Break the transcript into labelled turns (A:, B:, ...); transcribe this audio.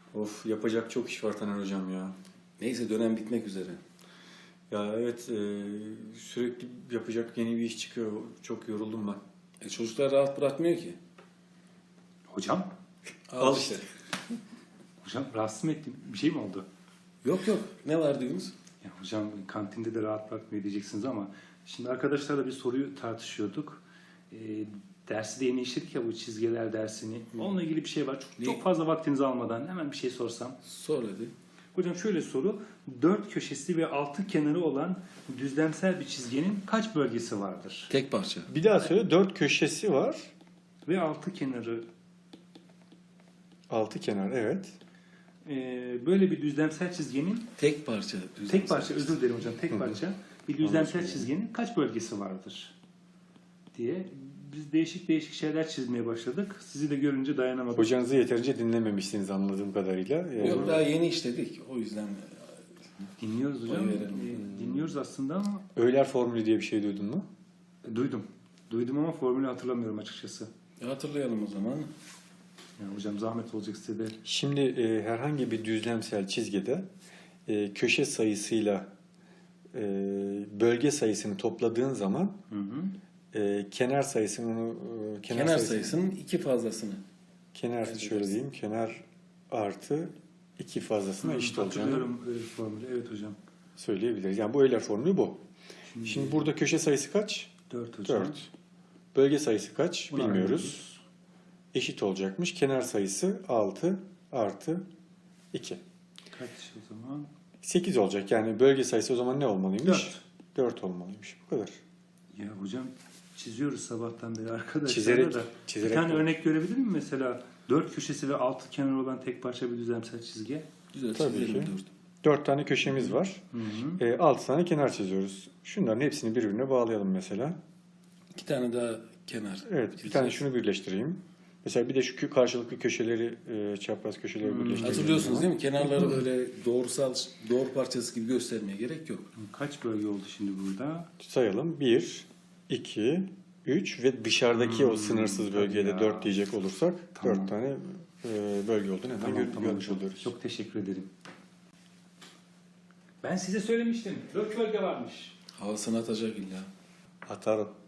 A: Of, yapacak çok iş var Taner hocam ya.
B: Neyse dönem bitmek üzere.
A: Ya evet, sürekli yapacak yeni bir iş çıkıyor. Çok yoruldum ben.
B: Çocuklar rahat bırakmıyor ki.
C: Hocam?
A: Al işte.
C: Hocam rahatsız mı ettim? Bir şey mi oldu?
B: Yok yok. Ne var diyorsunuz?
C: Ya hocam kantinde de rahat bırakmıyor diyeceksiniz ama şimdi arkadaşlarla bir soruyu tartışıyorduk. Dersi de yeni işledik ya, bu çizgiler dersini. Onunla ilgili bir şey var. Çok fazla vaktinizi almadan hemen bir şey sorsam.
B: Sor hadi.
C: Hocam şöyle soru. 4 köşesi ve 6 kenarı olan düzlemsel bir çizginin kaç bölgesi vardır?
B: Tek parça.
A: Bir daha söyle. 4 köşesi var.
C: Ve 6 kenarı.
A: 6 kenar, evet.
C: Böyle bir düzlemsel çizginin
B: Tek parça.
C: tek parça, özür dilerim hocam, tek parça bir düzlemsel çizginin kaç bölgesi vardır diye biz değişik değişik şeyler çizmeye başladık. Sizi de görünce dayanamadık.
A: Hocanızı yeterince dinlememişsiniz anladığım kadarıyla.
B: Yok daha yeni işledik. O yüzden
C: Dinliyoruz hocam.
B: Oy verelim.
C: Dinliyoruz aslında ama
A: Euler formülü diye bir şey duydun mu?
C: duydum. Duydum ama formülü hatırlamıyorum açıkçası.
B: hatırlayalım o zaman.
C: Yani hocam zahmet olacak size de.
A: Şimdi herhangi bir düzlemsel çizgide köşe sayısıyla bölge sayısını topladığın zaman kenar sayısını
B: Kenar sayısının 2 fazlasını.
A: kenar
B: elde
A: şöyle
B: edersin.
A: diyeyim, kenar artı 2 fazlasına eşit olacağını
C: Hatırlıyorum öyle bir formülü. Evet hocam.
A: söyleyebiliriz. Yani bu Euler formülü bu. Şimdi burada köşe sayısı kaç?
C: 4 hocam.
A: 4. Bölge sayısı kaç?
C: Bunu
A: Bilmiyoruz.
C: arıyoruz.
A: Eşit olacakmış. Kenar sayısı 6 artı 2.
C: Kaç o zaman?
A: 8 olacak. Yani bölge sayısı o zaman ne olmalıymış?
C: 4.
A: 4 olmalıymış. Bu kadar.
C: Ya hocam çiziyoruz sabahtan beri arkadaşlar
A: Çizerek-
C: da.
A: çizerek
C: Bir tane
A: bu.
C: örnek görebilir miyim mesela? 4 köşesi ve 6 kenarı olan tek parça bir düzlemsel çizgi.
B: Güzel
A: Tabii
B: çizelim
A: ki.
B: 4.
A: 4 tane köşemiz var.
C: Hı hı.
A: 6 tane kenar çiziyoruz. Şunların hepsini birbirine bağlayalım mesela.
B: 2 tane daha kenar.
A: Evet, bir tane şunu birleştireyim. Mesela bir de şu karşılıklı köşeleri, çapraz köşeleri birleştireyim.
B: Hatırlıyorsunuz değil mi? Kenarları böyle doğru parçası gibi göstermeye gerek yok.
C: Kaç bölge oldu şimdi burada?
A: Sayalım. 1, 2, 3 ve dışarıdaki o sınırsız bölgeye de
C: ya.
A: 4 diyecek olursak
C: Tamam.
A: 4 tane bölge olduğunu hemen görmüş
C: hocam.
A: oluyoruz.
C: Çok teşekkür ederim. Ben size söylemiştim. 4 bölge varmış.
B: Havasını atacak illa.
A: Atar o.